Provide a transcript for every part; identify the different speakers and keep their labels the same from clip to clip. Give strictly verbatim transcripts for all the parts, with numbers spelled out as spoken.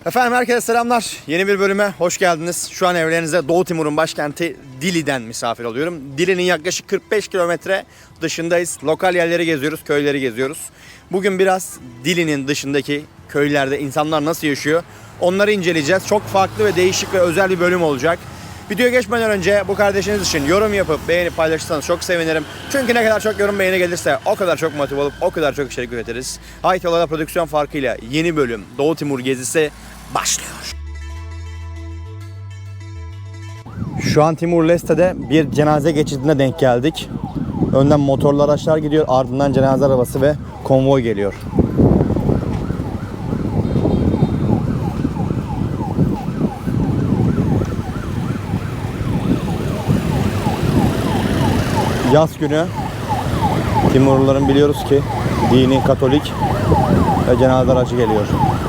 Speaker 1: Efendim herkese selamlar. Yeni bir bölüme hoş geldiniz. Şu an evlerinize Doğu Timur'un başkenti Dili'den misafir oluyorum. Dili'nin yaklaşık kırk beş kilometre dışındayız. Lokal yerleri geziyoruz, köyleri geziyoruz. Bugün biraz Dili'nin dışındaki köylerde insanlar nasıl yaşıyor onları inceleyeceğiz. Çok farklı ve değişik ve özel bir bölüm olacak. Videoya geçmeden önce bu kardeşiniz için yorum yapıp beğenip paylaşırsanız çok sevinirim. Çünkü ne kadar çok yorum beğeni gelirse o kadar çok motive olup o kadar çok içerik üretiriz. Haytola'da prodüksiyon farkıyla yeni bölüm Doğu Timur gezisi başlıyor. Şu an Timur-Leste'de bir cenaze geçidine denk geldik. Önden motorlu araçlar gidiyor, ardından cenaze arabası ve konvoy geliyor. Yaz günü Timurluların biliyoruz ki dini Katolik ve cenaze aracı geliyor.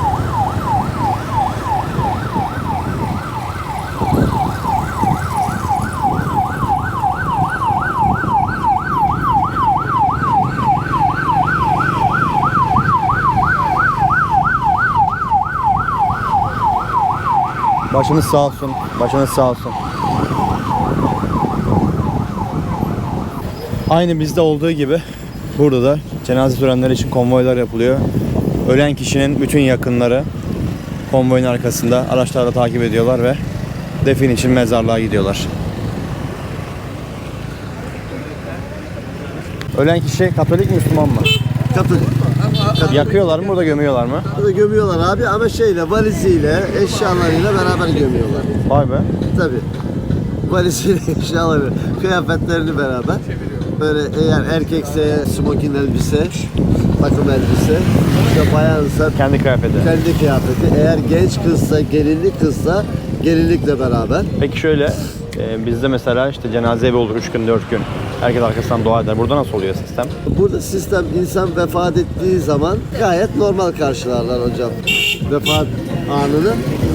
Speaker 1: Başınız sağ olsun, başınız sağ olsun. Aynı bizde olduğu gibi burada da cenaze törenleri için konvoylar yapılıyor. Ölen kişinin bütün yakınları konvoyun arkasında araçlarla takip ediyorlar ve defin için mezarlığa gidiyorlar. Ölen kişi Katolik mi, Müslüman mı?
Speaker 2: Katolik.
Speaker 1: Yakıyorlar mı, burada gömüyorlar mı?
Speaker 2: Burada gömüyorlar abi ama şeyle, valiziyle, eşyalarıyla beraber gömüyorlar.
Speaker 1: Vay be.
Speaker 2: Tabii. Valiziyle, eşyaları, kıyafetlerini beraber. Böyle eğer erkekse smokin elbise, takım elbise, işte bayansa
Speaker 1: Kendi kıyafeti.
Speaker 2: kendi kıyafeti. Eğer genç kızsa, gelinlik kızsa gelinlikle beraber.
Speaker 1: Peki şöyle, e, bizde mesela işte cenaze evi olur üç gün dört gün. Herkes arkasından dua eder. Burada nasıl oluyor sistem?
Speaker 2: Burada sistem insan vefat ettiği zaman gayet normal karşılarlar hocam. Vefat anını.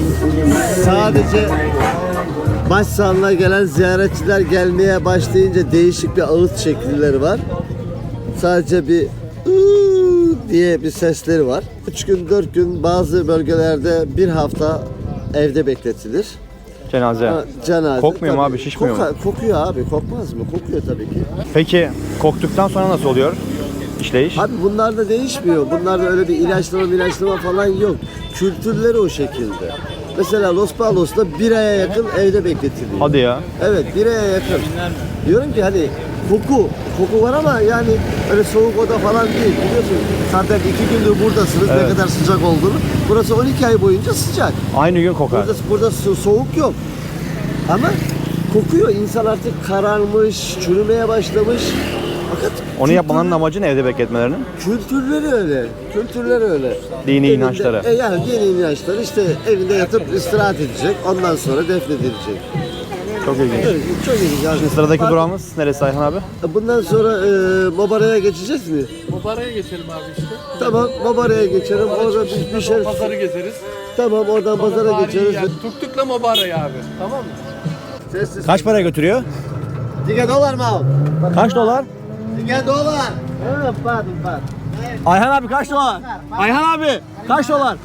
Speaker 2: Sadece başsağlığına gelen ziyaretçiler gelmeye başlayınca değişik bir ağıt şekilleri var. Sadece bir ııı diye bir sesleri var. üç gün dört gün bazı bölgelerde bir hafta evde bekletilir.
Speaker 1: Cenaze.
Speaker 2: Ha, cenaze.
Speaker 1: Kokmuyor mu
Speaker 2: tabii.
Speaker 1: abi, şişmiyor mu?
Speaker 2: Koka- Kokuyor abi, kokmaz mı? Kokuyor tabii ki.
Speaker 1: Peki koktuktan sonra nasıl oluyor işleyiş?
Speaker 2: Abi bunlar da değişmiyor. Bunlarda öyle bir ilaçlama ilaçlama falan yok. Kültürleri o şekilde. Mesela Los Palos'ta bir aya yakın evde bekletiliyor.
Speaker 1: Hadi ya.
Speaker 2: Evet, bir aya yakın. Diyorum ki hani koku, koku var ama yani öyle soğuk oda falan değil. Biliyorsun zaten iki gündür buradasınız,
Speaker 1: Evet.
Speaker 2: ne kadar sıcak olduğunu. Burası on iki ay boyunca sıcak.
Speaker 1: Aynı gün kokar.
Speaker 2: Burada, burada so- soğuk yok. Ama kokuyor. İnsan artık kararmış, çürümeye başlamış. Fakat
Speaker 1: Onu
Speaker 2: kültür-
Speaker 1: yapmanın amacı ne evde bekletmelerinin?
Speaker 2: Kültürleri öyle. Kültürleri öyle.
Speaker 1: Dini
Speaker 2: Evinde-
Speaker 1: inançları.
Speaker 2: E yani dini inançları işte evinde yatıp istirahat edecek. Ondan sonra defnedilecek.
Speaker 1: Çok ilginç.
Speaker 2: Evet, çok ilginç. Yani.
Speaker 1: Şimdi sıradaki
Speaker 2: Bak,
Speaker 1: durağımız neresi Ayhan abi?
Speaker 2: bundan sonra e, Mobara'ya geçeceğiz mi?
Speaker 3: Mobara'ya geçelim abi işte.
Speaker 2: Tamam, Mobara'ya geçelim. Orada bir, bir
Speaker 3: Çıktıktan
Speaker 2: şey...
Speaker 3: sonra pazarı gezeriz.
Speaker 2: Tamam, oradan pazara
Speaker 3: Tarihi
Speaker 2: geçeriz.
Speaker 3: yer. Tuktuk'la Mobara'ya abi. Tamam mı?
Speaker 2: Sessiz.
Speaker 1: Kaç paraya götürüyor?
Speaker 2: Dige dolar mı abi?
Speaker 1: Kaç dolar?
Speaker 2: Dige dolar. Ha, pardon, pardon.
Speaker 1: Ayhan abi kaç dolar? Ayhan abi kaç dolar?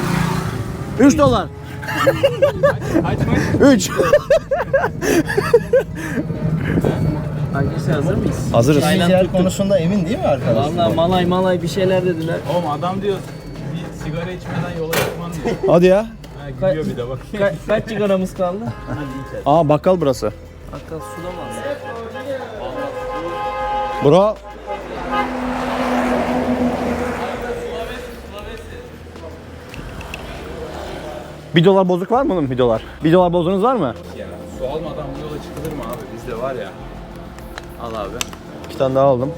Speaker 1: üç dolar.
Speaker 3: Kaç maç?
Speaker 1: üç.
Speaker 4: Hangisi, hazır mıyız?
Speaker 1: Hazırız.
Speaker 4: Tayland
Speaker 5: konusunda emin değil mi arkadaş?
Speaker 4: Vallahi malay malay bir şeyler dediler.
Speaker 3: Oğlum adam diyor bir sigara içmeden yola çıkmam diyor.
Speaker 1: Hadi ya.
Speaker 3: Ha, gidiyor bir de bak.
Speaker 4: Ka- kaç sigaramız kaldı?
Speaker 1: Aa bakkal burası.
Speaker 4: Hatta suda mı alsın?
Speaker 1: Bro. Bir dolar bozuk var mı oğlum, bir dolar? Bir dolar bozunuz var mı?
Speaker 3: Ya su almadan bu yola çıkılır mı abi? Bizde var ya. Al abi.
Speaker 1: İki tane daha aldım.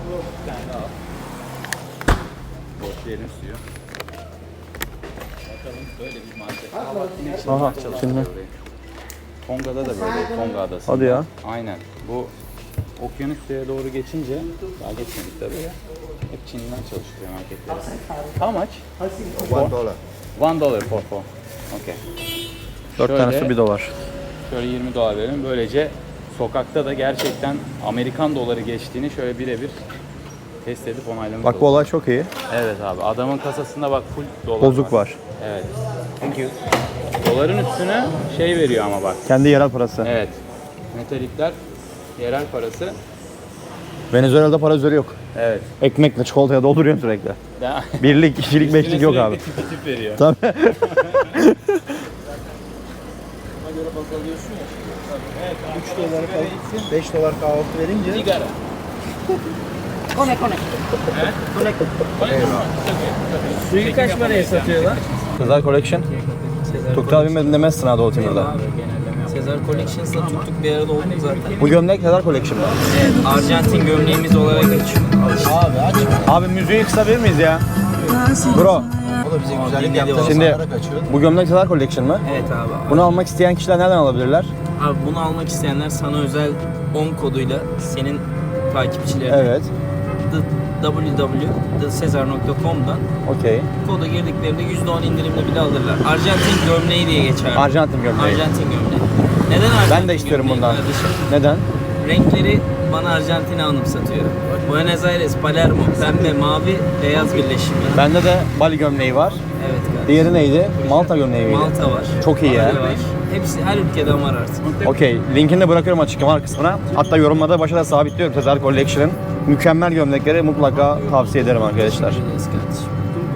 Speaker 3: Boşlayalım suyu. Bakalım böyle bir market. Aa bak yine içinde
Speaker 1: Aha,
Speaker 3: çalışıyor
Speaker 1: şimdi.
Speaker 3: orayı. Tonga'da da böyle, Tonga adası.
Speaker 1: Hadi ya.
Speaker 3: Aynen. Bu Okyanusya'ya doğru geçince, daha geçmedik tabii ya. Hep Çin'den çalışıyor marketler. How much?
Speaker 2: One dolar.
Speaker 3: One dollar for four. Okay.
Speaker 1: Dört
Speaker 3: Şöyle-
Speaker 1: tanesi bir dolar.
Speaker 3: Şöyle yirmi dolar verelim. Böylece sokakta da gerçekten Amerikan doları geçtiğini şöyle birebir test edip onaylamış
Speaker 1: Bak bu
Speaker 3: olduk.
Speaker 1: olay çok iyi.
Speaker 3: Evet abi. Adamın kasasında bak full dolar
Speaker 1: Bozuk var.
Speaker 3: Evet. Thank you. Doların üstüne şey veriyor ama bak.
Speaker 1: Kendi yerel parası.
Speaker 3: Evet. Metalikler yerel parası.
Speaker 1: Venezuela'da para üzeri yok.
Speaker 3: Evet.
Speaker 1: Ekmekle çikolataya dolduruyorsun sürekli.
Speaker 3: Daha
Speaker 1: Birlik, ikilik, beşlik yok abi.
Speaker 3: Tip tip veriyor.
Speaker 1: Tabii.
Speaker 5: üç dolar beş dolar kahvaltı verince
Speaker 3: Sigara.
Speaker 4: Suyu kaç paraya satıyorlar?
Speaker 1: Sezar Collection.
Speaker 4: Sezar
Speaker 1: Tuktal bilmedin demezsin ha Doğu Timur'da.
Speaker 4: Sezar Collections'la tuttuk bir arada olduk zaten.
Speaker 1: Bu gömlek Sezar Collection mı?
Speaker 4: Evet, Arjantin gömleğimiz olarak geçiyor.
Speaker 5: abi aç.
Speaker 1: Abi müziği kısabilir miyiz ya? Bro,
Speaker 5: O da bize güzellik
Speaker 4: dinledi
Speaker 5: yaptı.
Speaker 4: o.
Speaker 1: şimdi
Speaker 5: Kaçıyor.
Speaker 1: bu gömlek Sezar Collection mı?
Speaker 4: Evet abi.
Speaker 1: Bunu almak isteyen kişiler nereden alabilirler?
Speaker 4: Abi bunu almak isteyenler sana özel on koduyla senin takipçilerine
Speaker 1: Evet.
Speaker 4: w w w nokta sezar nokta com'dan
Speaker 1: Okey.
Speaker 4: koda girdiklerinde yüzde on indirimle bile alırlar. Arjantin gömleği diye geçer.
Speaker 1: Arjantin gömleği.
Speaker 4: Arjantin gömleği. Neden Arjantin
Speaker 1: Ben de istiyorum
Speaker 4: gömleği
Speaker 1: bundan.
Speaker 4: kardeşim?
Speaker 1: Neden?
Speaker 4: Renkleri bana Arjantin'i anımsatıyor. Buenos Aires, Palermo, pembe, mavi, beyaz birleşimi.
Speaker 1: Bende de Bali gömleği var.
Speaker 4: Evet kardeşim.
Speaker 1: Diğeri neydi? Malta gömleği miydi?
Speaker 4: Malta var.
Speaker 1: Çok iyi ya.
Speaker 4: Bali var. Hepsi her ülkeden var artık.
Speaker 1: Okey. Linkini de bırakıyorum açıklama kısmına. Hatta yorumlarda başa da sabitliyorum Sezar Collection'ın mükemmel gömlekleri mutlaka tavsiye ederim arkadaşlar.
Speaker 4: Yes kardeşim.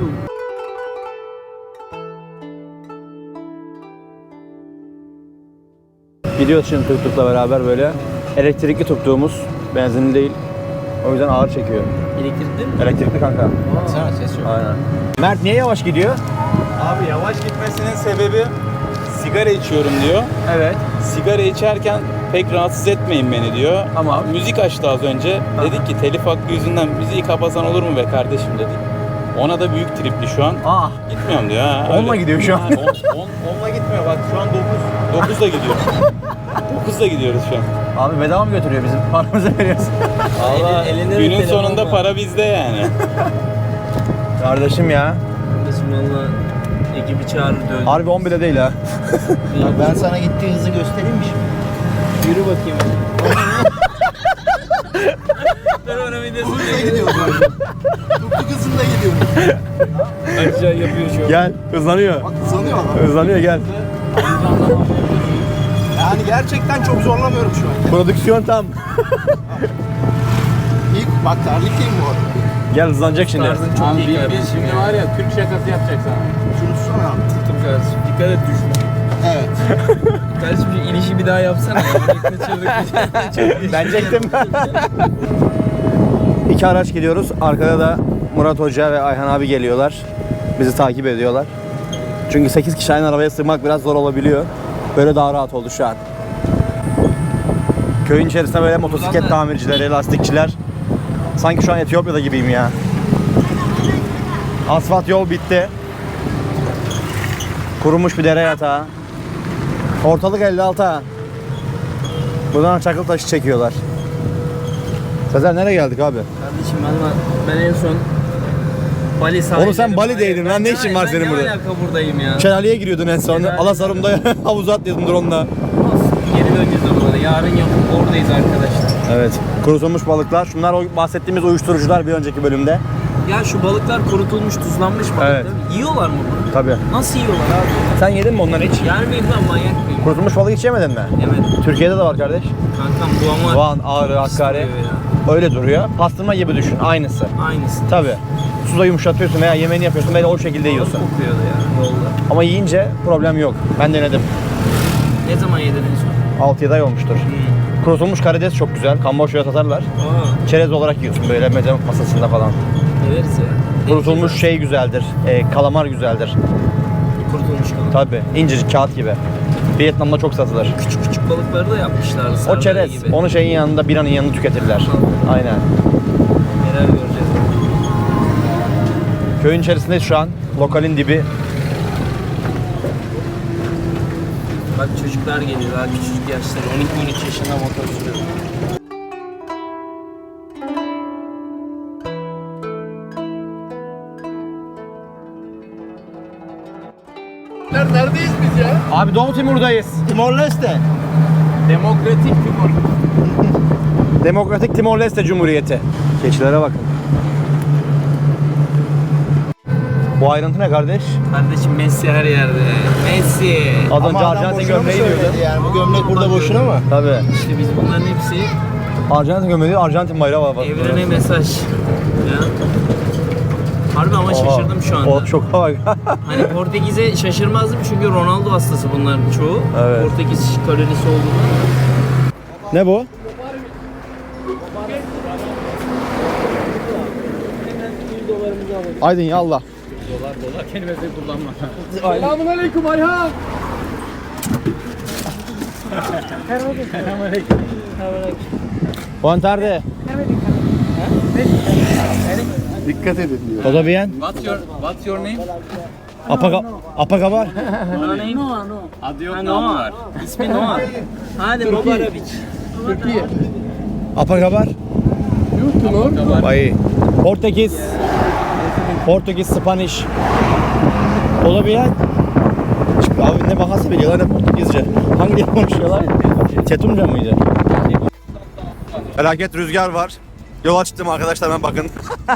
Speaker 1: Gidiyoruz şimdi tuk tukla beraber böyle. Elektrikli tuktuğumuz, benzinli değil. O yüzden ağır çekiyor.
Speaker 4: Elektrikli mi?
Speaker 1: Elektrikli kanka.
Speaker 5: Sana ses yok.
Speaker 1: Aynen. Mert niye yavaş gidiyor?
Speaker 3: Abi yavaş gitmesinin sebebi sigara içiyorum diyor.
Speaker 1: Evet.
Speaker 3: Sigara içerken pek rahatsız etmeyin beni diyor.
Speaker 1: Tamam.
Speaker 3: Müzik açtı az önce. Dedik ki telif hakkı yüzünden müziği kapasan olur mu be kardeşim dedik. Ona da büyük tripli şu an.
Speaker 1: Ah.
Speaker 3: Gitmiyorum diyor ha.
Speaker 1: Onla
Speaker 3: öyle.
Speaker 1: gidiyor şu an.
Speaker 3: Ha, on, on, onla gitmiyor bak şu an dokuz. dokuzla gidiyoruz. dokuzla gidiyoruz şu an.
Speaker 1: Abi bedava mı götürüyor bizim? Paramızı veriyorsun.
Speaker 3: Valla
Speaker 4: Eli- elinde bir
Speaker 3: günün
Speaker 4: telefon
Speaker 3: sonunda
Speaker 4: var.
Speaker 3: para bizde yani.
Speaker 1: Kardeşim ya.
Speaker 4: Kardeşim valla ekibi çağırır dövdü.
Speaker 1: Harbi on bile değil ha.
Speaker 5: Ben sana gittiği hızı göstereyim mi şimdi?
Speaker 4: Yürü bakayım. Ben ona bir de
Speaker 5: Hızla gidiyorum böyle. Tuttuk hızında gidiyorum.
Speaker 4: aşağı yapıyor şu an.
Speaker 1: Gel hızlanıyor.
Speaker 5: Bak hızlanıyor adam.
Speaker 1: Hızlanıyor gel.
Speaker 5: Yani gerçekten çok zorlamıyorum şu an.
Speaker 1: Prodüksiyon tam.
Speaker 5: İlk bak terlikliyim bu arada.
Speaker 1: Gel hızlanacak şimdi.
Speaker 4: Tarzın çok iyi kardeşim.
Speaker 3: şimdi var ya Türk şakası yapacak sana.
Speaker 5: Şunu tutsana abi.
Speaker 4: Tuttum kardeşim. Dikkat et düşme.
Speaker 5: Evet.
Speaker 4: Kardeşim şu inişi bir daha yapsana. Ya.
Speaker 1: Ben çektim. İki araç gidiyoruz. Arkada da Murat Hoca ve Ayhan abi geliyorlar. Bizi takip ediyorlar. Çünkü sekiz kişi aynı arabaya sığmak biraz zor olabiliyor. Böyle daha rahat oldu şu an. Köyün içerisinde böyle motosiklet tamircileri, lastikçiler. Sanki şu an Etiyopya'da gibiyim ya. Asfalt yol bitti. Kurumuş bir dere yatağı. Ortalık elli altı ha. Buradan çakıl taşı çekiyorlar. Sezer nereye geldik abi?
Speaker 4: Kardeşim valla ben en son Bali sahilleri...
Speaker 1: Oğlum sen Bali'deydin lan, ne işin var senin
Speaker 4: Ben
Speaker 1: burada?
Speaker 4: ne alaka buradayım ya?
Speaker 1: Şelaleye giriyordun en son.
Speaker 4: Şelaleye-
Speaker 1: Alasarum'da havuza atlıyordun drone'la.
Speaker 4: Olsun, geri döneceğiz oralara. Yarın yapıp oradayız arkadaşlar.
Speaker 1: Evet. Kurutulmuş balıklar. Şunlar o bahsettiğimiz uyuşturucular bir önceki bölümde.
Speaker 4: Ya şu balıklar kurutulmuş, tuzlanmış balık
Speaker 1: Evet.
Speaker 4: değil mi? Yiyorlar mı bunu?
Speaker 1: Tabii.
Speaker 4: Nasıl yiyorlar abi?
Speaker 1: Sen yedin mi onları hiç?
Speaker 4: Yer miyim lan, manyak mıyım?
Speaker 1: Kurutulmuş balık hiç yemedin mi?
Speaker 4: Evet.
Speaker 1: Türkiye'de de var kardeş.
Speaker 4: Kankam bu ama...
Speaker 1: Van, Ağrı, Hakkari.
Speaker 4: Istiyor ya.
Speaker 1: Öyle duruyor. Pastırma gibi düşün. Aynısı.
Speaker 4: Aynısı.
Speaker 1: Tabii. Suda yumuşatıyorsun veya yemeğini yapıyorsun böyle o şekilde yiyorsun.
Speaker 4: Kokuyordu ya yolda.
Speaker 1: Ama yiyince problem yok. Ben denedim.
Speaker 4: Ne zaman yedin en son?
Speaker 1: altı yedi ay olmuştur.
Speaker 4: Hmm.
Speaker 1: Kurutulmuş karides çok güzel. Kamboçya'ya satarlar.
Speaker 4: Aa,
Speaker 1: Çerez olarak yiyorsun böyle meze masasında falan.
Speaker 4: severiz ya.
Speaker 1: Kurutulmuş şey güzeldir. E, kalamar güzeldir.
Speaker 4: Kurutulmuş kalan.
Speaker 1: Tabii. İncecik kağıt gibi. Vietnam'da çok satılır.
Speaker 4: Küçük küçük balıkları da yapmışlardı.
Speaker 1: O
Speaker 4: sardalya
Speaker 1: çerez.
Speaker 4: gibi.
Speaker 1: Onu şeyin yanında, biranın yanında tüketirler. Aynen.
Speaker 4: Neler göreceğiz.
Speaker 1: Köyün içerisindeyiz şu an. Lokalin dibi.
Speaker 4: Bak çocuklar geliyor daha küçücük yaşları. on iki on üç yaşında motor sürüyor.
Speaker 5: Neredeyiz biz ya?
Speaker 1: Abi Doğu Timur'dayız.
Speaker 5: Timor-Leste.
Speaker 3: Demokratik Timur.
Speaker 1: Demokratik Timor-Leste Cumhuriyeti. Keçilere bakın. Bu ayrıntı ne kardeş?
Speaker 4: Kardeşim Messi her yerde. Messi.
Speaker 1: Az önce
Speaker 5: Ama adam
Speaker 1: Arjantin
Speaker 5: boşuna mı
Speaker 1: gömleği
Speaker 5: söyledi
Speaker 1: diyordu.
Speaker 5: yani? Bu gömlek burada boşuna mı?
Speaker 1: Tabii.
Speaker 4: İşte biz bunların hepsi
Speaker 1: Arjantin gömleği, Arjantin bayrağı var.
Speaker 4: evrene mesaj. Ya. Harbi ama şaşırdım şu anda.
Speaker 1: O çok bak.
Speaker 4: Hani Portekiz'e şaşırmazdım çünkü Ronaldo hastası bunların çoğu.
Speaker 1: Evet.
Speaker 4: Portekiz kalorisi olduğunu.
Speaker 1: Ne bu? Aydın ya Allah.
Speaker 3: Dolar dolar kelimesi kullanma.
Speaker 1: Buenas tardes.
Speaker 5: Dikkat edin diyor.
Speaker 1: ¿Todo bien?
Speaker 3: What's your What's your name?
Speaker 1: Apa Apagabar?
Speaker 3: Adı yok
Speaker 4: Ha,
Speaker 3: namı
Speaker 4: Noah.
Speaker 3: var.
Speaker 4: İsmi Noah. Hadi Mobarabic.
Speaker 1: Apagabar? Vay. Portekiz. Portekiz, Spanish. ¿Todo bien? Abi ne bahası biliyorlar ne Portekizce. Hangi dil konuşuyorlar? Çetumca mıydı? Felaket rüzgar var. Yola çıktım arkadaşlar, ben bakın.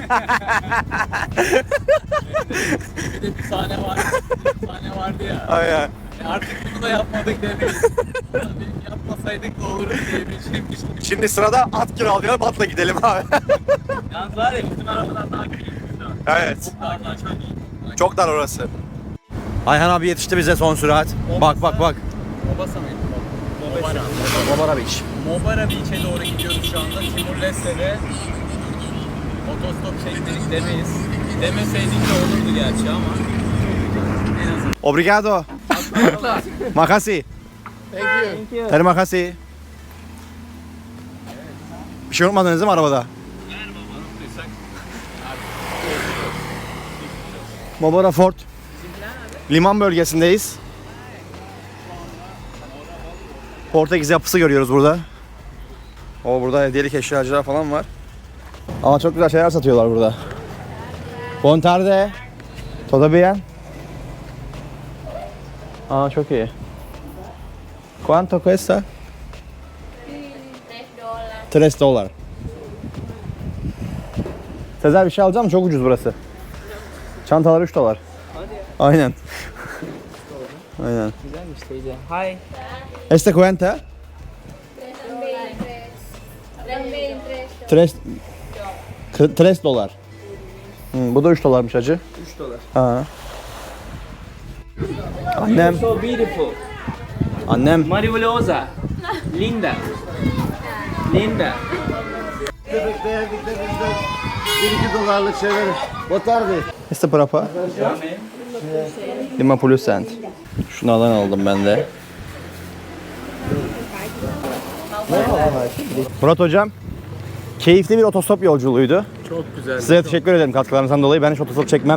Speaker 3: Bir de bir sahne var. Bir sahne vardı ya.
Speaker 1: Aynen.
Speaker 3: Artık bunu da yapmadık demeyiz. Yapmasaydık da olurdu diye bir şeymiş.
Speaker 1: Şimdi sırada at kiralayalım, atla gidelim abi.
Speaker 3: Yalnız var ya bizim arabadan daha keyifli.
Speaker 1: Evet.
Speaker 3: Daha daha çok iyi.
Speaker 1: Çok dar orası. Ayhan abi yetişti bize son sürat. Bak bak bak.
Speaker 3: Mobasa mıydı? Mobara.
Speaker 1: Mobara Beach.
Speaker 3: Mobara Beach'e doğru gidiyoruz şu anda. Timor-Leste'de otostop çektik demeyiz. Demeseydik de olurdu gerçi ama en azından.
Speaker 1: Obrigado. Makasi.
Speaker 4: Thank you.
Speaker 1: Terima makasi. Bir şey unutmadınız değil mi arabada? Mobara Fort. Liman bölgesindeyiz. Portekiz yapısı görüyoruz burada. O burada hediyelik eşyacılar falan var. Ama çok güzel şeyler satıyorlar burada. Buon tarde. Todo bien? Aa çok iyi. Quanto cuesta? tres dolar. Sezer bir şey alacağım, çok ucuz burası. Çantalar üç dolar. Aynen. Aynen.
Speaker 4: Güzelmiş teyze. Hi.
Speaker 1: Este cuenta? Tres, Kı- tres dolar. Hmm, bu da üç dolarmış hacı.
Speaker 4: üç dolar.
Speaker 1: Ha. Annem,
Speaker 4: So beautiful.
Speaker 1: annem.
Speaker 4: Maravilhosa. Linda. Linda.
Speaker 2: Köpek beğendiklerimizden bir iki dolarlık şeyler. Botardı.
Speaker 1: Este por apa? Lima Plus Cent. Şunlardan aldım ben de. Murat hocam, keyifli bir otostop yolculuğuydu.
Speaker 5: Çok güzel.
Speaker 1: Size teşekkür ederim katkılarınızdan dolayı. Ben hiç otostop çekmem.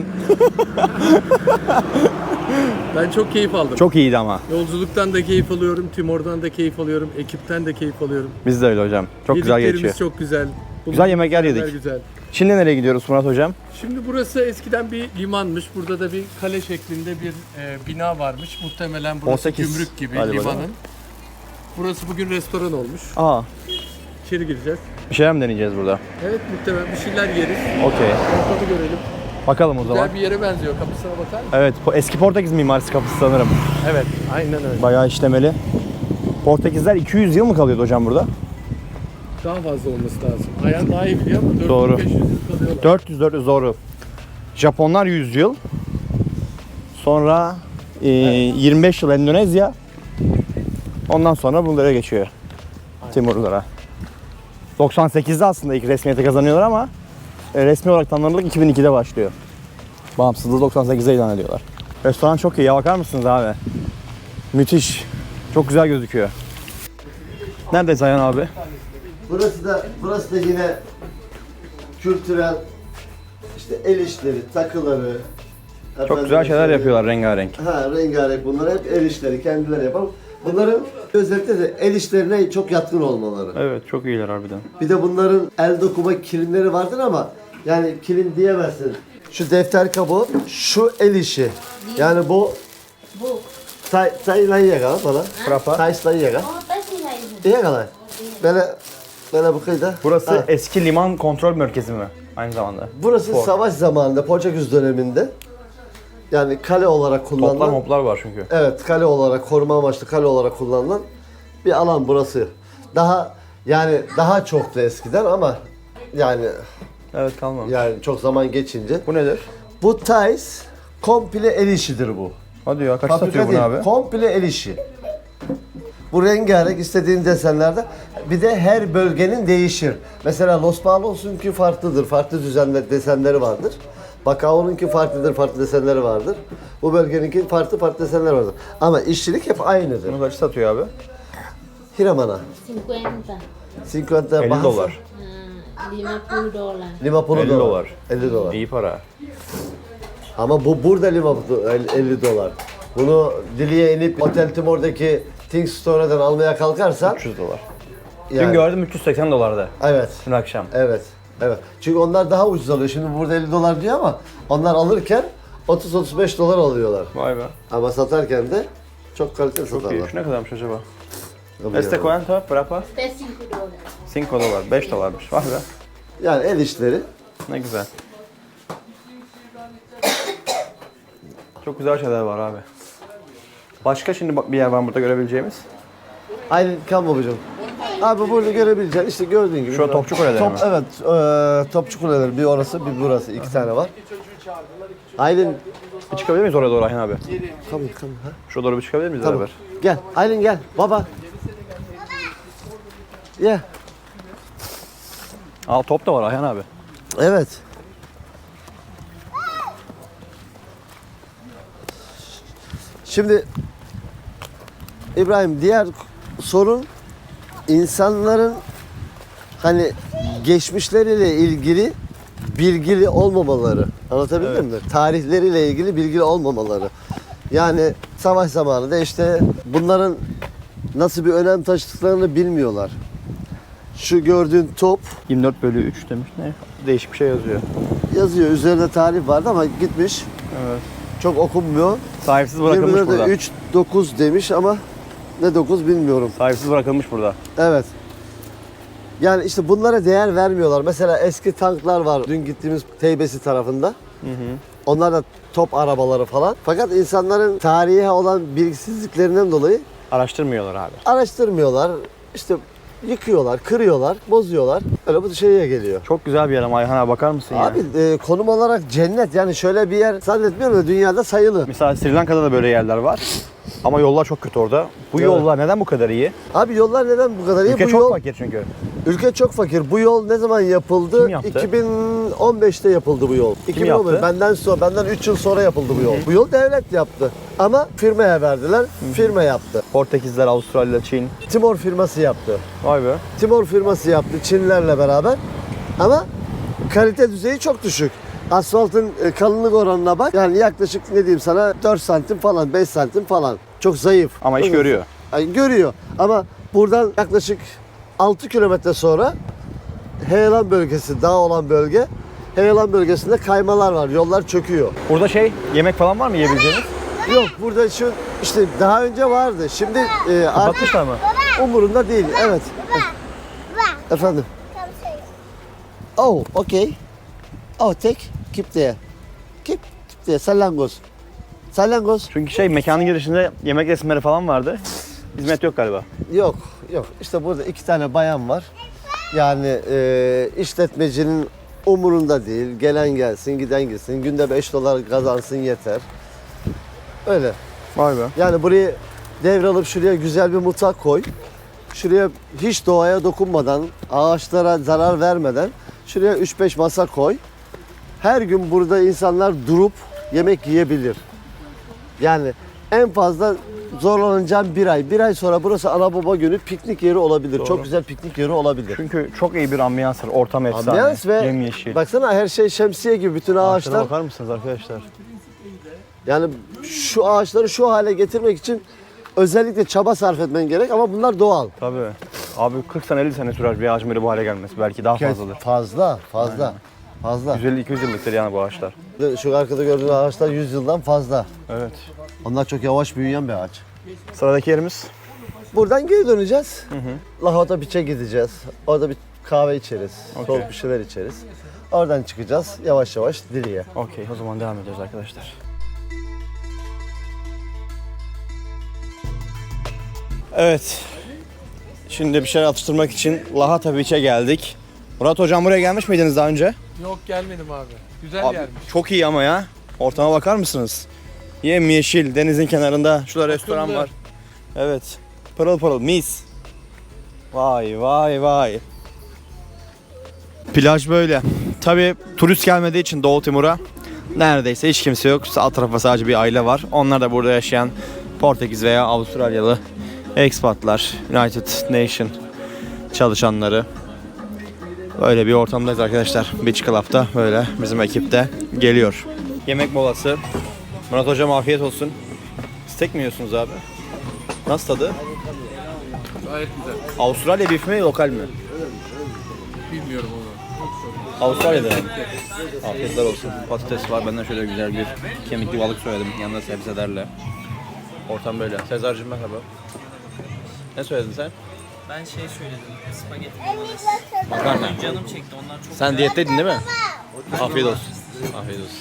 Speaker 5: Ben çok keyif aldım.
Speaker 1: Çok iyiydi ama.
Speaker 5: Yolculuktan da keyif alıyorum, Timor'dan da keyif alıyorum, ekipten de keyif alıyorum.
Speaker 1: Biz de öyle hocam. Çok güzel
Speaker 5: Yediklerimiz
Speaker 1: geçiyor.
Speaker 5: çok güzel.
Speaker 1: Güzel yemekler yedik.
Speaker 5: Güzel, güzel.
Speaker 1: Şimdi nereye gidiyoruz Murat hocam?
Speaker 5: Şimdi burası eskiden bir limanmış. Burada da bir kale şeklinde bir e, bina varmış. Muhtemelen burası
Speaker 1: on sekiz.
Speaker 5: gümrük gibi
Speaker 1: Hadi
Speaker 5: limanın.
Speaker 1: bakalım.
Speaker 5: Burası bugün restoran olmuş.
Speaker 1: Aa,
Speaker 5: İçeri gireceğiz.
Speaker 1: bir şeyler mi deneyeceğiz burada?
Speaker 5: Evet, muhtemelen bir şeyler yeriz.
Speaker 1: Okey.
Speaker 5: Ortamı görelim.
Speaker 1: Bakalım o zaman.
Speaker 5: Güzel bir yere benziyor. Kapısına bakar mısın?
Speaker 1: Evet, po- eski Portekiz mimarisi kapısı sanırım.
Speaker 5: Evet, aynen öyle.
Speaker 1: Bayağı işlemeli. Portekizler iki yüz yıl mı kalıyordu hocam burada?
Speaker 5: Daha fazla olması lazım. Ayhan daha iyi biliyor ama
Speaker 1: Doğru.
Speaker 5: dört yüz beş yüz yıl kalıyorlar.
Speaker 1: dört yüz dört yüz doğru. Japonlar yüz yıl. Sonra e, yirmi beş yıl Endonezya. Ondan sonra bunlara geçiyor. Timurlulara. doksan sekizde aslında ilk resmiyete kazanıyorlar ama e, resmi olarak tanınırlık iki bin ikide başlıyor. Bağımsızlığı doksan sekizde ilan ediyorlar. Restoran çok iyi. Ya bakar mısınız abi? Müthiş. Çok güzel gözüküyor. Neredeyiz Ayhan abi?
Speaker 2: Burası da burası da yine kültürel işte el işleri, takıları.
Speaker 1: Çok
Speaker 2: efendim
Speaker 1: güzel şeyler
Speaker 2: söyleyeyim.
Speaker 1: yapıyorlar rengarenk.
Speaker 2: Ha, rengarenk bunlar hep el işleri, kendileri yapalım. Bunların özellikle de el işlerine çok yatkın olmaları.
Speaker 1: Evet, çok iyiler harbiden.
Speaker 2: Bir de bunların el dokuma kilimleri vardır ama yani kilim diyemezsin. Şu defter kabuğu, şu el işi. Yani bu tay tay lan yega bana.
Speaker 1: Frapa.
Speaker 2: Tay tay yega.
Speaker 6: Oh, tá assim, Raíssa.
Speaker 2: İyi kadar. Böyle böyle bu kıyıda.
Speaker 1: Burası
Speaker 2: Ha.
Speaker 1: eski liman kontrol merkezi mi? Aynı zamanda.
Speaker 2: Burası
Speaker 1: Port.
Speaker 2: savaş zamanında Portekiz döneminde Yani kale olarak kullanılan.
Speaker 1: Toplar moplar var çünkü.
Speaker 2: Evet, kale olarak, koruma amaçlı kale olarak kullanılan bir alan burası. Daha yani daha çoktu eskiden ama yani
Speaker 1: Evet kalmamış.
Speaker 2: yani çok zaman geçince.
Speaker 1: Bu nedir?
Speaker 2: Bu Thais komple el işidir bu.
Speaker 1: Hadi ya kaç
Speaker 2: Fabrika
Speaker 1: satıyor bunu
Speaker 2: değil,
Speaker 1: abi?
Speaker 2: komple el işi. Bu rengarenk istediğin desenlerde. Bir de her bölgenin değişir. Mesela Los Palos'unki farklıdır. Farklı düzenler, desenleri vardır. Bacao'nunki farklıdır, farklı desenleri vardır. Bu bölgeninki farklı farklı desenleri vardır. Ama işçilik hep aynıdır.
Speaker 1: Bunu kaç satıyor abi?
Speaker 2: Hiramana.
Speaker 6: cincuenta,
Speaker 2: elli
Speaker 1: elli dolar.
Speaker 6: ah, lima puluh dolar.
Speaker 2: Lima pulu
Speaker 1: elli dolar.
Speaker 2: elli dolar.
Speaker 1: İyi para.
Speaker 2: Ama bu burada lima pulu elli dolar. Bunu Dili'ye inip Otel Timor'daki Think Store'dan almaya kalkarsan
Speaker 1: üç yüz dolar. Dün
Speaker 2: yani,
Speaker 1: gördüm üç yüz seksen dolarda.
Speaker 2: evet.
Speaker 1: Dün akşam.
Speaker 2: Evet. Evet. Çünkü onlar daha ucuz alıyor. Şimdi burada elli dolar diyor ama onlar alırken otuz otuz beş dolar alıyorlar.
Speaker 1: Vay be.
Speaker 2: Ama satarken de çok kaliteli
Speaker 1: Çok iyi.
Speaker 2: satarlar.
Speaker 1: Şu ne kadarmış acaba?
Speaker 2: Tabii
Speaker 1: Este
Speaker 2: yani.
Speaker 1: cuánto? Berapa?
Speaker 6: Este cinco dolar.
Speaker 1: cinco dolar. beş dolarmış. Vay be.
Speaker 2: Yani el işleri.
Speaker 1: Ne güzel. Çok güzel şeyler var abi. Başka şimdi bak bir yer var burada görebileceğimiz.
Speaker 2: Aynen kan babacığım. Abi burada görebileceğin işte gördüğün gibi.
Speaker 1: Şu Topçu Kuleleri
Speaker 2: Top,
Speaker 1: mi?
Speaker 2: Evet. E, Topçu Kuleleri. Bir orası bir burası. iki tane var. Aylin.
Speaker 1: Bir çıkabilir miyiz oraya doğru Ayhan abi?
Speaker 2: Come on, come on, ha?
Speaker 1: Şuraya doğru bir çıkabilir miyiz
Speaker 2: Tamam.
Speaker 1: beraber?
Speaker 2: Gel. Aylin gel. Baba. Yeah.
Speaker 1: Aa top da var Ayhan abi.
Speaker 2: Evet. Şimdi İbrahim diğer sorun insanların hani geçmişleriyle ilgili bilgili olmamaları. Anlatabildim mi? Tarihleriyle ilgili bilgili olmamaları. Yani savaş zamanında işte bunların nasıl bir önem taşıdıklarını bilmiyorlar. Şu gördüğün top
Speaker 1: yirmi dört bölü üç demiş ne? Değişik bir şey yazıyor.
Speaker 2: yazıyor. Üzerinde tarih vardı ama gitmiş.
Speaker 1: Evet.
Speaker 2: Çok okunmuyor.
Speaker 1: Sahipsiz bırakılmış
Speaker 2: yirmi dörde
Speaker 1: burada.
Speaker 2: üç dokuz demiş ama ne dokuz bilmiyorum.
Speaker 1: Sahipsiz bırakılmış burada.
Speaker 2: Evet. Yani işte bunlara değer vermiyorlar. Mesela eski tanklar var. Dün gittiğimiz Teybesi tarafında.
Speaker 1: Hı hı.
Speaker 2: Onlar da top arabaları falan. Fakat insanların tarihe olan bilgisizliklerinden dolayı
Speaker 1: Araştırmıyorlar abi.
Speaker 2: araştırmıyorlar. İşte yıkıyorlar, kırıyorlar, bozuyorlar. Öyle bu şeye geliyor.
Speaker 1: Çok güzel bir yer ama Ayhan abi bakar mısın ya?
Speaker 2: Abi e, konum olarak cennet. Yani şöyle bir yer zannetmiyorum da dünyada sayılı.
Speaker 1: Mesela Sri Lanka'da da böyle yerler var. Ama yollar çok kötü orada. Bu
Speaker 2: Evet.
Speaker 1: yollar neden bu kadar iyi?
Speaker 2: Abi yollar neden bu kadar iyi?
Speaker 1: Ülke
Speaker 2: bu
Speaker 1: çok
Speaker 2: yol,
Speaker 1: fakir çünkü.
Speaker 2: Ülke çok fakir. Bu yol ne zaman yapıldı?
Speaker 1: Kim yaptı?
Speaker 2: iki bin on beşte yapıldı bu yol. iki bin on beş.
Speaker 1: yaptı?
Speaker 2: Benden sonra, benden üç yıl sonra yapıldı bu yol. Bu yol devlet yaptı. Ama firmaya verdiler. Firma yaptı.
Speaker 1: Portekizler, Avustralya, Çin.
Speaker 2: Timor firması yaptı.
Speaker 1: Vay be.
Speaker 2: Timor firması yaptı Çinlerle beraber. Ama kalite düzeyi çok düşük. Asfaltın e, kalınlık oranına bak. Yani yaklaşık ne diyeyim sana dört santim falan, beş santim falan. Çok zayıf.
Speaker 1: Ama iş
Speaker 2: Çok-
Speaker 1: görüyor.
Speaker 2: Yani görüyor. Ama buradan yaklaşık altı kilometre sonra heyelan bölgesi, dağ olan bölge. Heyelan bölgesinde kaymalar var. Yollar çöküyor.
Speaker 1: Burada şey, yemek falan var mı yiyebileceğiniz?
Speaker 2: Yok burada şu işte daha önce vardı. Şimdi e, artık
Speaker 1: Kapatmışlar mı?
Speaker 2: umurunda değil. Evet. Efendim. Oh, okay. Oh, take. Keep there. Keep, keep there. Salyangoz. Salyangoz.
Speaker 1: Çünkü şey, mekanın girişinde yemek resimleri falan vardı. Hizmet yok galiba.
Speaker 2: Yok, yok. İşte burada iki tane bayan var. Yani e, işletmecinin umurunda değil. Gelen gelsin, giden gitsin. Günde beş dolar kazansın yeter. Öyle.
Speaker 1: Vay be.
Speaker 2: Yani burayı devralıp şuraya güzel bir mutfak koy. Şuraya hiç doğaya dokunmadan, ağaçlara zarar vermeden şuraya üç beş masa koy. Her gün burada insanlar durup yemek yiyebilir. Yani en fazla zorlanacağım bir ay. Bir ay sonra burası ana baba günü piknik yeri olabilir.
Speaker 1: Doğru.
Speaker 2: Çok güzel piknik yeri olabilir.
Speaker 1: Çünkü çok iyi bir ambiyans var. Ortam efsane.
Speaker 2: Ambiyans ve
Speaker 1: Yemyeşil.
Speaker 2: baksana her şey şemsiye gibi bütün
Speaker 1: Ağaçlara
Speaker 2: ağaçlar.
Speaker 1: bakar mısınız arkadaşlar?
Speaker 2: Yani şu ağaçları şu hale getirmek için özellikle çaba sarf etmen gerek ama bunlar doğal.
Speaker 1: Tabii. Abi kırk sene elli sene sürer bir ağacın böyle bu hale gelmesi. Belki daha fazladır.
Speaker 2: Fazla, fazla. Fazla.
Speaker 1: yüz elli iki yüz yıllıktır yani bu ağaçlar.
Speaker 2: Şu arkada gördüğün ağaçlar yüz yıldan fazla.
Speaker 1: Evet.
Speaker 2: Onlar çok yavaş büyüyen bir ağaç.
Speaker 1: Sıradaki yerimiz.
Speaker 2: Buradan geri döneceğiz. Lahota Beach'e gideceğiz. Orada bir kahve içeriz.
Speaker 1: Okey.
Speaker 2: Soğuk bir şeyler içeriz. Oradan çıkacağız yavaş yavaş Dili'ye.
Speaker 1: Okey, o zaman devam ediyoruz arkadaşlar. Evet. Şimdi bir şeyler atıştırmak için Lahata Beach'e geldik. Murat hocam buraya gelmiş miydiniz daha önce?
Speaker 5: Yok gelmedim abi. Güzel
Speaker 1: Abi,
Speaker 5: yermiş.
Speaker 1: çok iyi ama ya. Ortama bakar mısınız? Yemyeşil, denizin kenarında. Şurada restoran
Speaker 5: Akıllı.
Speaker 1: var. Evet. Pırıl pırıl, mis. Vay vay vay. Plaj böyle. Tabii turist gelmediği için Doğu Timur'a neredeyse hiç kimse yok. Alt tarafa sadece bir aile var. Onlar da burada yaşayan Portekiz veya Avustralyalı expatlar, United Nation çalışanları. Böyle bir ortamdayız arkadaşlar. Beach Club'da böyle bizim ekip de geliyor. Yemek molası. Murat hocam afiyet olsun. Steak mi yiyorsunuz abi? Nasıl tadı?
Speaker 5: Gayet güzel.
Speaker 1: Avustralya beef mi, lokal mi?
Speaker 5: Bilmiyorum onu.
Speaker 1: Avustralya'da. Afiyetler olsun. Patates var. Benden şöyle güzel bir kemikli balık söyledim. Yanında sebzelerle. Ortam böyle. Sezar'cığım merhaba. Ne söyledin sen?
Speaker 4: Ben şey söyledim. Spagetti bolognese.
Speaker 1: Makarna.
Speaker 4: Canım çekti. Onlar çok
Speaker 1: Sen
Speaker 4: güzel.
Speaker 1: diyetteydin değil mi? Afiyet olsun. Afiyet olsun.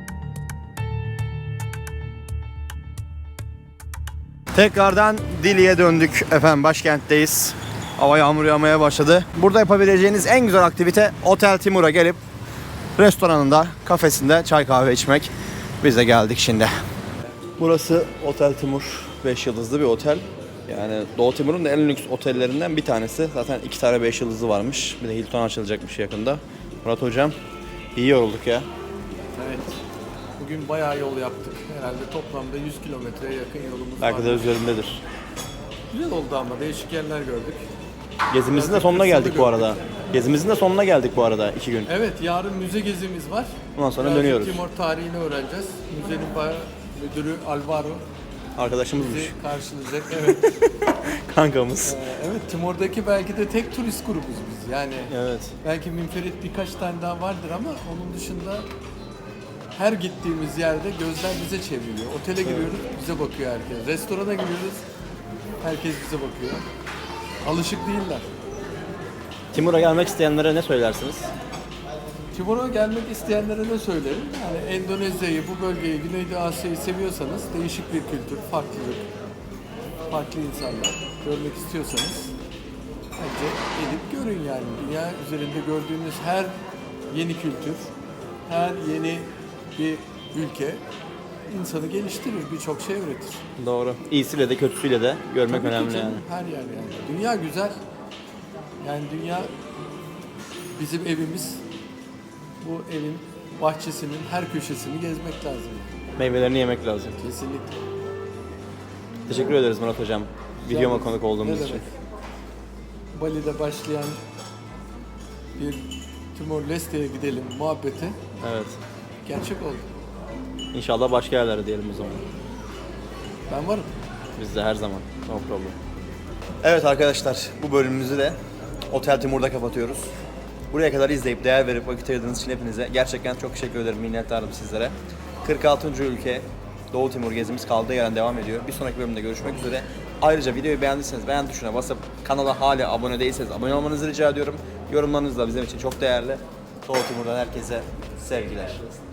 Speaker 1: Tekrardan Dili'ye döndük efendim, başkentteyiz. Hava yağmur yağmaya başladı. Burada yapabileceğiniz en güzel aktivite Otel Timur'a gelip restoranında, kafesinde çay kahve içmek. Biz de geldik şimdi. Burası Otel Timur, beş yıldızlı bir otel. Yani Doğu Timur'un da en lüks otellerinden bir tanesi. Zaten iki tane beş yıldızlı varmış. Bir de Hilton açılacakmış yakında. Murat hocam, iyi yorulduk ya.
Speaker 5: Evet. Bugün bayağı yol yaptık. Herhalde toplamda yüz kilometreye yakın yolumuz
Speaker 1: Belki
Speaker 5: var.
Speaker 1: de üzerindedir.
Speaker 5: Güzel oldu ama değişik yerler gördük.
Speaker 1: Gezimizin de sonuna geldik bu arada. Gezimizin de sonuna geldik bu arada, iki gün.
Speaker 5: Evet, yarın müze gezimiz var.
Speaker 1: Ondan sonra
Speaker 5: Birazcık
Speaker 1: dönüyoruz.
Speaker 5: Timor tarihini öğreneceğiz. Müzenin bayağı müdürü Alvaro
Speaker 1: Arkadaşımızmış.
Speaker 5: bizi karşılayacak. Evet.
Speaker 1: Kankamız.
Speaker 5: Ee, evet, Timor'daki belki de tek turist grubuz biz. Yani
Speaker 1: Evet.
Speaker 5: belki münferit birkaç tane daha vardır ama onun dışında her gittiğimiz yerde gözler bize çevriliyor. Otele giriyoruz, bize bakıyor herkes. Restorana giriyoruz, herkes bize bakıyor. Alışık değiller.
Speaker 1: Timur'a gelmek isteyenlere ne söylersiniz?
Speaker 5: Timor'a gelmek isteyenlere ne söylerim? Yani Endonezya'yı, bu bölgeyi, Güneydoğu Asya'yı seviyorsanız değişik bir kültür, farklılık, farklı insanlar görmek istiyorsanız bence gelip görün yani. Dünya üzerinde gördüğünüz her yeni kültür, her yeni bir ülke insanı geliştirir, birçok şey öğretir.
Speaker 1: Doğru. İyisiyle de kötüsüyle de görmek
Speaker 5: Tabii ki
Speaker 1: önemli
Speaker 5: canım,
Speaker 1: yani.
Speaker 5: her yer yani. Dünya güzel. Yani dünya bizim evimiz. Bu evin bahçesinin her köşesini gezmek lazım.
Speaker 1: Meyvelerini yemek lazım.
Speaker 5: Kesinlikle.
Speaker 1: Teşekkür ederiz Murat hocam. Videoma konuk olduğumuz
Speaker 5: Ne
Speaker 1: için.
Speaker 5: demek? Bali'de başlayan bir Timor-Leste'ye gidelim muhabbeti
Speaker 1: Evet.
Speaker 5: gerçek oldu.
Speaker 1: İnşallah başka yerlere diyelim o zaman.
Speaker 5: Ben varım.
Speaker 1: Biz de her zaman. No problem. Evet arkadaşlar, bu bölümümüzü de Otel Timur'da kapatıyoruz. Buraya kadar izleyip değer verip vakit ayırdığınız için hepinize gerçekten çok teşekkür ederim, minnettarım sizlere. kırk altıncı ülke Doğu Timur gezimiz kaldığı yerden devam ediyor. Bir sonraki bölümde görüşmek üzere. Ayrıca videoyu beğendiyseniz beğen tuşuna basıp kanala hala abone değilseniz abone olmanızı rica ediyorum. Yorumlarınız da bizim için çok değerli. Doğu Timur'dan herkese sevgiler.